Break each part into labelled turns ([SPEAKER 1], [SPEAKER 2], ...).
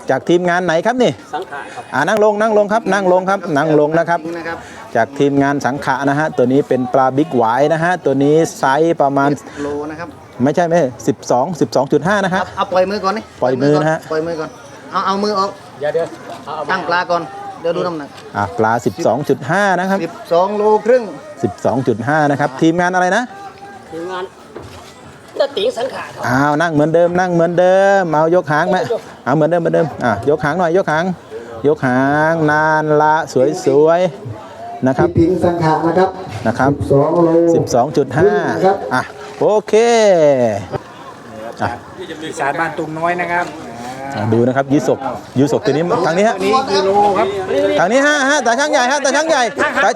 [SPEAKER 1] จากทีมงานไหนครับนี่สังขะครับนั่งลงครับนั่งลงนะครับจากทีมงานสังขะนะฮะตัวนี้เป็นปลาบิ๊กหวายนะฮะตัวนี้ไซส์ประมาณ
[SPEAKER 2] โลนะครับ
[SPEAKER 1] ไม่ใช่12.5นะครับ
[SPEAKER 2] เอาปล่อยมือก่อนนี่
[SPEAKER 1] ปล่อยมือนะฮะ
[SPEAKER 2] ปล่อยมือก่อนเอามือออกเดี๋ยวตั้งปลาก่อนเดี๋ยวดูน้ำหนัก
[SPEAKER 1] ปลา 12.5 นะครับ
[SPEAKER 2] 12 โลครึ่ง
[SPEAKER 1] 12.5 นะครับทีมงานอะไรนะ
[SPEAKER 3] ทีมงานตะติ๋งสังขาร
[SPEAKER 1] นั่งเหมือนเดิมเอายกหางไหมเหมือนเดิมยกหางหน่อยยกหางนานละสวยๆนะครับ
[SPEAKER 2] ติ๋งสังขารนะครับ12 โล
[SPEAKER 1] 12.5โอเค
[SPEAKER 4] อีสานบ้านตุงน้อยนะครับ
[SPEAKER 1] ดูนะครับยูศกตัวนี้ทางนี้ฮะ
[SPEAKER 4] กิโลครับ
[SPEAKER 1] ทางนี้ฮะแต่ช่างใหญ่แต่ช่างใหญ่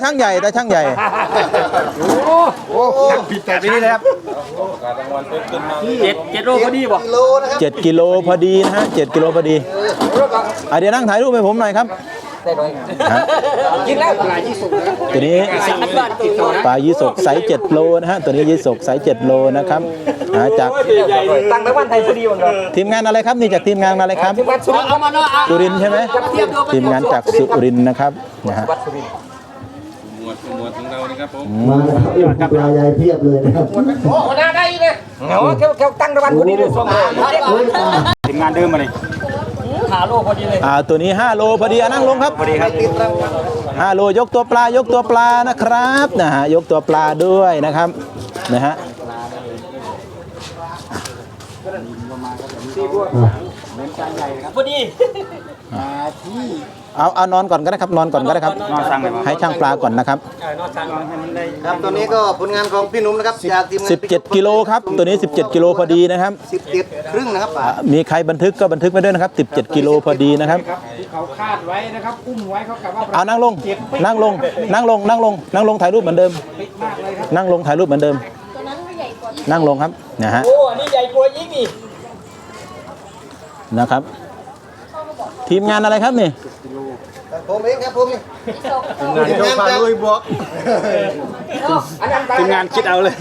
[SPEAKER 4] โอ้ผิดแต่นี้เลยครับ7 โลพอดีบ่
[SPEAKER 1] 7 กิโลพอดีนะฮะ7 กิโลพอดีเดี๋ยวนั่งถ่ายรูปให้ผมหน่อยครับ
[SPEAKER 4] กินแล้วปลายี่สก
[SPEAKER 1] ตัวนี้ปลายี่สกไซส์7 โลนะฮะตัวนี้ยี่สกไซส์7 โลนะครับจาก
[SPEAKER 4] ตั้งแต่วันไทยพอดีหมดเลย
[SPEAKER 1] ทีมงานอะไรครับนี่จากทีมงานอะไรครับสุรินทร์ใช่ไหมทีมงานจากสุรินทร์นะครับนะฮะ
[SPEAKER 5] หมวดของเรานะครับผม
[SPEAKER 2] มาครับปลาใหญ่เพียบเลยนะครับ
[SPEAKER 4] โอ้หน้าได้เลยแค่ตั้งแต่วันพอดีเลยทีมงานเดิมมาเลย5 โลพอดีเลย
[SPEAKER 1] ตัวนี้5 โลพอดีนั่งลงครับ
[SPEAKER 4] พอดีครับ
[SPEAKER 1] 5 โลยกตัวปลนะครับนะฮะยกตัวปลาด้วยนะครับนะฮะ
[SPEAKER 3] พอดี
[SPEAKER 1] เอานอนก่อนก็ได้ครับนอนครับให้ช่างปลาก่อนนะครับ
[SPEAKER 2] ครับตัวนี้ก็ผลงานของพี่หนุ่มนะครับจากทีมงาน
[SPEAKER 1] 17 กิโลครับตัวนี้17 กิโลพอดีนะครับ
[SPEAKER 2] 17 ครึ่งนะครับ
[SPEAKER 1] มีใครบันทึกก็บันทึกไปด้วยนะครับ17 กิโลพอดีนะครับ
[SPEAKER 4] เขาคาดไว้นะครับอุ้มไว้เขากะว่า
[SPEAKER 1] นั่งลงถ่ายรูปเหมือนเดิมนั่งลงถ่ายรูปเหมือนเดิมนั่งลงครับนะฮะ
[SPEAKER 3] โอ้อันนี้ใหญ่กว่ายิ่งนี่
[SPEAKER 1] นะครับทีมงานอะไรครับนี่
[SPEAKER 2] ผมเองครับผม
[SPEAKER 4] ทีมงานพาลุยบวกทีมงานคิดเอาเลย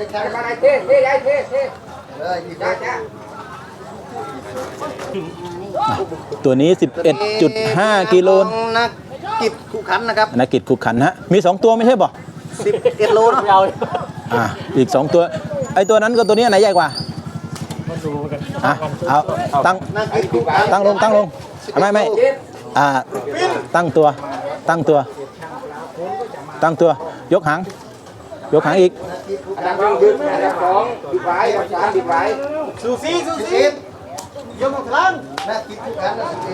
[SPEAKER 1] ตัวนี้ 11.5 กิโล
[SPEAKER 2] นักกิจขุขันนะครับ
[SPEAKER 1] นักกิจขุขันฮะมี2 ตัวไม่ใช่ป่ะ
[SPEAKER 2] 11 โล
[SPEAKER 1] อีก2 ตัวไอ้ตัวนั้นกับตัวนี้ไหนใหญ่กว่าเอาตั้งลงไม่ตั้งตัวยกหางอีก
[SPEAKER 2] ซูซี่ยกครั้งนักกิจขุขัน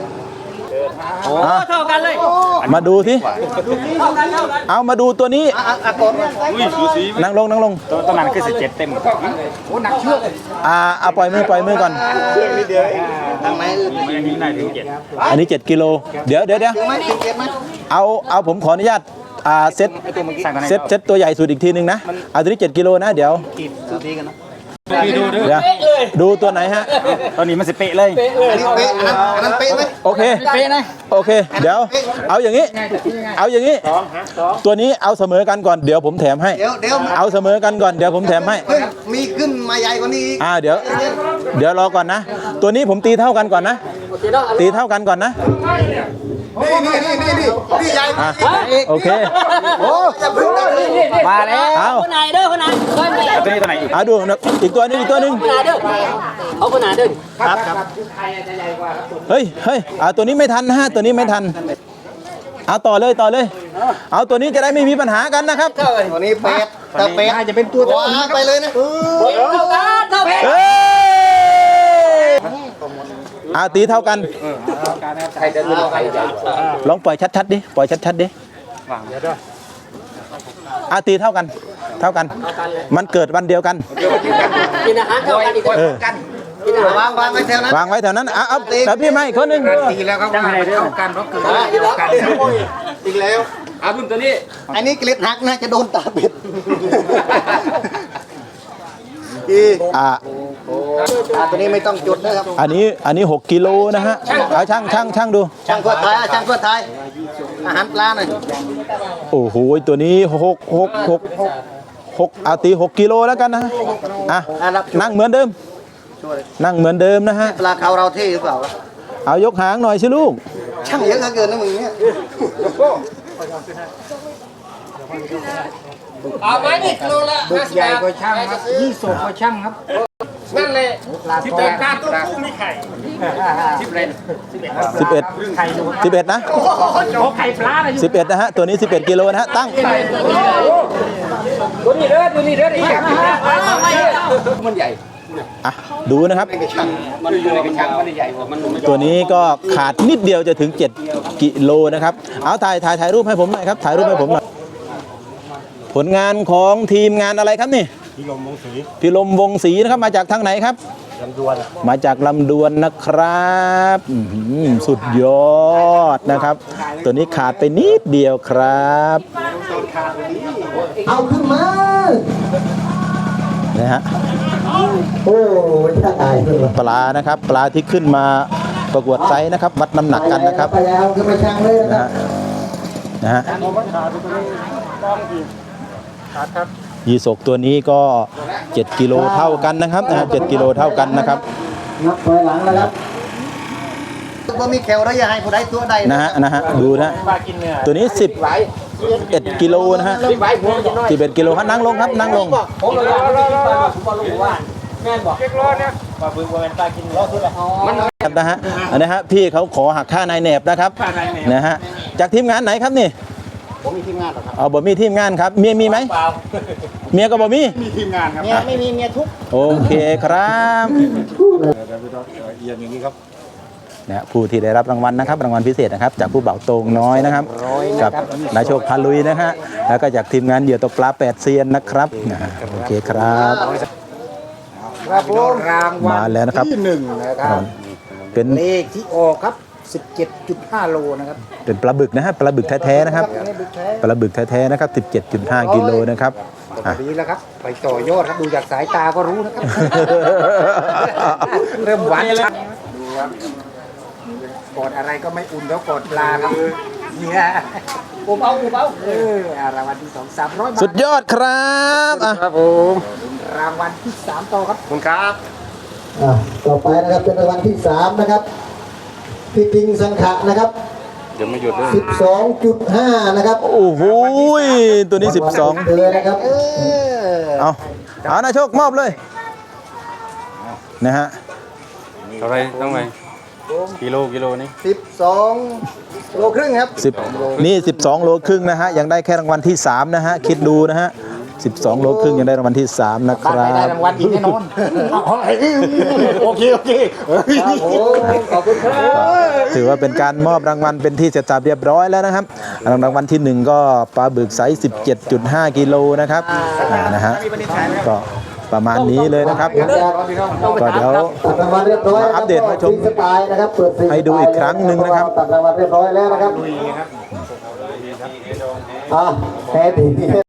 [SPEAKER 3] เท่ากันเลย
[SPEAKER 1] มาดูสิเอามาดูตัวนี้นั่งลง
[SPEAKER 4] ตัวนั้นคือ17 เต็มโอ้หนักเชือก
[SPEAKER 1] ปล่อยมือก่อน
[SPEAKER 2] ทางไหน
[SPEAKER 1] อันนี้7 กิโลเดี๋ยวเอาผมขออนุญาตเซตตัวใหญ่สุดอีกทีนึงนะตัวนี้7 กิโลนะเดี๋ยวดูตัวไหนฮะ
[SPEAKER 4] ตอนนี้มันสิเป๊ะเลย
[SPEAKER 2] อันนี้เป๊ะอันนั้นเป๊ะไหม
[SPEAKER 1] โอเค
[SPEAKER 4] เป๊ะนะ
[SPEAKER 1] โอเคเดี๋ยวเอาอย่างนี้ตัวนี้เอาเสมอกันก่อนเดี๋ยวผมแถมให้เอาเสมอกันก่อนเดี๋ยวผมแถมให้
[SPEAKER 2] มีขึ้นมาใหญ่กว่านี้
[SPEAKER 1] เดี๋ยวรอก่อนนะตัวนี้ผมตีเท่ากันก่อนนะตีเท่ากันก่อนนะ
[SPEAKER 2] นี่ใหญ่
[SPEAKER 1] โอเค
[SPEAKER 4] มาแล้ว
[SPEAKER 3] คนไหนเด้อคนไหน
[SPEAKER 4] ตัวไหน
[SPEAKER 1] ดูอีกตัวนึง
[SPEAKER 3] คนไหนเด้อเอาคนไหนเด้อ
[SPEAKER 1] ครับเฮ้ยตัวนี้ไม่ทันนะฮะตัวนี้ไม่ทันเอาต่อเลยเอาตัวนี้จะได้ไม่มีปัญหากันนะครับ
[SPEAKER 2] ตัวนี้เป็ดจะเป็นตัวไปเลยนะ
[SPEAKER 1] ตีเท่ากันลองปล่อยชัดๆดิตีเท่ากันมันเกิดวันเดียวกัน
[SPEAKER 3] กินอาหารเท่ากันอีก
[SPEAKER 2] วางไว้แถวนั้น
[SPEAKER 1] แต่พี่ไม่คนนึง
[SPEAKER 4] ตีแล้วครับเท่ากันเพราะเกิดกัน
[SPEAKER 2] อีกแล้ว
[SPEAKER 4] รุ่นตัวนี้
[SPEAKER 2] อันนี้เกล็ดหักนะจะโดนตาเป็ดตัวนี้ไม่ต้องจุดนะครับ
[SPEAKER 1] อันนี้6 กิโลนะฮะช่างดู
[SPEAKER 2] ช่างเพื่อไทยอาหารปลาหน่อย
[SPEAKER 1] โอ้โหตัวนี้6ตี6 กิโลแล้วกันนะนั่งเหมือนเดิมนะฮะ
[SPEAKER 2] ปลาเขาเราเท่หรือเปล่า
[SPEAKER 1] เอายกหางหน่อยสิลูก
[SPEAKER 2] ช่างเยอะเหลือเกินนะมึงเนี่ย
[SPEAKER 4] เอาไว้ดิกิโลละ50 ใหญ่กว่าช่างครับ20กว่าช่างครับนั่นเลยที่เป็นการตัวกุ้งมีไข่10เลน
[SPEAKER 1] 11นะ
[SPEAKER 4] โอ้ไข่ปลาเลย
[SPEAKER 1] 11นะฮะตัวนี้11กิโลนะฮะตั้ง
[SPEAKER 4] ตัวนี้เด้อตัวนี้เด้ออีกมันใหญ่
[SPEAKER 1] อ่ะดูนะครับ
[SPEAKER 4] มันอยู่ในกระชังมันใหญ่กว่ามัน
[SPEAKER 1] ตัวนี้ก็ขาดนิดเดียวจะถึง7กิโลนะครับเอาถ่ายรูปให้ผมหน่อยครับถ่ายรูปให้ผมหน่อยผลงานของทีมงานอะไรครับนี่พิลมวงศรีนะครับมาจากทางไหนครับลำดวนมาจากลำดวนนะครับสุดยอดนะครับ ตัวนี้ขาดไปนิดเดียวครับ
[SPEAKER 2] เอาขึ้นมา
[SPEAKER 1] นะฮะ
[SPEAKER 2] โอ้ยถ้าตายเลย
[SPEAKER 1] ปลานะครับปลาที่ขึ้นมาประกวดไซส์นะครับวัดน้ำหนักกันนะครับ
[SPEAKER 2] ไปแล้วขึ้นมาช่างเลยนะ
[SPEAKER 1] นะฮะยีสกตัวนี้ก็7กิโลเท่ากันนะครับ7กิโลเท่ากันนะครับ
[SPEAKER 2] นับถอยหลังแล้วครับว่ามีแคลระยะให้ผู้ใดตัวใด
[SPEAKER 1] นะฮะดูนะตัวนี้11กิโลนะฮะ11กิโลครับนั่งลงครับนั่งลง
[SPEAKER 3] ผมเลยผมรู้ว่าแม่นบอก
[SPEAKER 1] ครับนะฮะอันนี้ฮะพี่เขาขอหักค่านายแหนบนะครับนะฮะจากทีมงานไหนครับนี่ผมมีทีมงานหรอครับเอาบ่มีทีมงานครับเมียมีไหมเมียก็บ่มีทีมงานครับเมียไม่มีเมียทุกโอเคครับนะผู้ที่ได้รับรางวัลนะครับรางวัลพิเศษนะครับจากผู้เบาโตงน้อยนะครับกับนายโชคพาลุยนะฮะแล้วก็จากทีมงานเหยื่อตกปลา8เซียนนะครับโอเคครับ
[SPEAKER 4] ครับผมรางวั
[SPEAKER 1] มา
[SPEAKER 4] ล
[SPEAKER 1] แล้วนะครับ
[SPEAKER 4] ที่1นะครับ
[SPEAKER 1] เป็น
[SPEAKER 4] เลขที่ออกครับ 17.5 โลนะครับ
[SPEAKER 1] เป็นปลาบึกนะฮะปลาบึกแท้ๆนะครับปลาบึกแท้ๆนะครับ 17.5 กิโลนะครับอ่ะ
[SPEAKER 4] ดีแล้วครับ ไปต่อยอดครับดูจากสายตาก็รู้นะครับ เริ่มหวานชัดดูครับกอดอะไรก็ไม่อุ่นเท่ากอดปลาครับเนี่ยปูเบาๆรางวัลที่2 300 บาท
[SPEAKER 1] สุดยอดครับอ่ะ
[SPEAKER 4] ครับผมรางวัลที่3ต่อครับคุณครับ
[SPEAKER 2] ต่อไปนะครับเป็นรางวัลที่3นะครับพี่ปิงสังขะนะครับเดี๋ยวไม่หยุดเลย12.5นะครับ
[SPEAKER 1] โอ้โหตัวนี้ 12
[SPEAKER 2] เลยนะครับ
[SPEAKER 1] เอานายโชคมอบเลยนะฮะ
[SPEAKER 5] เท่าไรต้องไงกิโลนี่
[SPEAKER 2] 12 โลครึ่งครับ
[SPEAKER 1] นี่12โลครึ่งนะฮะยังได้แค่รางวัลที่3นะฮะคิดดูนะฮะ12โลครึ่งยังได้รางวัลที่3นะค
[SPEAKER 4] บ้าน
[SPEAKER 1] รั
[SPEAKER 4] ไหนได้
[SPEAKER 1] บ
[SPEAKER 4] รางวัลอีกแน่นอนโอเคขอบคุณครับ
[SPEAKER 1] ถือว่าเป็นการมอบรางวัลเป็นที่เสร็จสับเรียบร้อยแล้วนะครับรางวัลที่1ก็ปลาบึกไซส์ 17.5 กิโลนะครับนะฮะก็ประมาณนี้เลยนะครับก็เดี๋ยว
[SPEAKER 2] ตัดรางวัลเรียบร้อย
[SPEAKER 1] มาอัปเดตมาชม
[SPEAKER 2] ฟรีสไตล์นะครับเปิดฟรี
[SPEAKER 1] ให้ดูอีกครั้งหนึ่งนะครับ
[SPEAKER 2] ตัดรางวัลเรียบร้อยแล้วนะครับแพ้ดี